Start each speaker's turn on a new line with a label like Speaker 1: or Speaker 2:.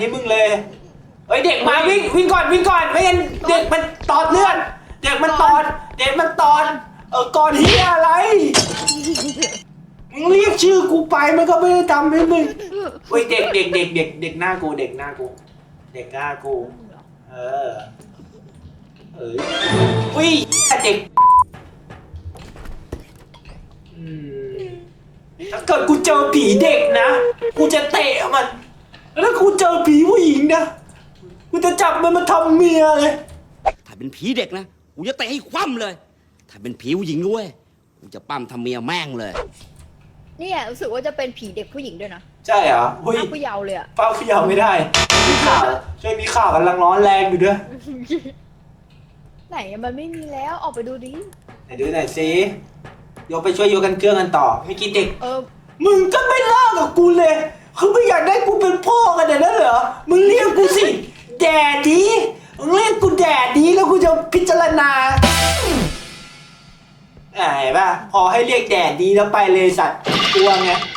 Speaker 1: ที่มึงเลยเฮ้ยเด็กมาวิ่งก่อนไม่งั้นเด็กมันตอดเลือดเด็กมันตอดก่อนเฮียอะไรมึงเรียกชื่อกูไปมันก็ไม่ได้ทำให้มึงเฮ้ยเด็กหน้ากูเด็กหน้ากูเออวิ่งเด็กถ้าเกิดกูเจอผีเด็กนะกูจะเตะมันแล้วถ้ากูเจอผีผู้หญิงนะกูจะจับมันมาทำเมียเลย
Speaker 2: ถ้าเป็นผีเด็กนะกูจะเตะให้คว่ำเลยถ้าเป็นผีผู้หญิงด้วยกูจะปั้มทำเมียแม่งเลย
Speaker 3: เนี่ยรู้สึกว่าจะเป็นผีเด็กผู้หญิงด้วยนะ
Speaker 1: ใช่เหรอ
Speaker 3: ป้าผู้เยาว์เลยอะ
Speaker 1: ป้าผู้เยาว์ไม่ได้มีข่าวกำลังร้อนแรงอยู่ด้วย
Speaker 3: ไหนมันไม่มีแล้วออกไปดูดิ
Speaker 1: ไหนดูหน่อยสิยกไปช่วยยกกันเครื่องกันต่อไม่กินเด็กมึงก็ไม่เลิกกับกูเลยคือไม่อยากได้กูเป็นพ่อกันเนี่ยนะเหรอมึงเรียกกูสิแดดดีมึงเรียกกูแดดดีแล้วกูจะพิจารณาเห็นป่ะพอให้เรียกแดดดีแล้วไปเลยสัตว์กลัวไง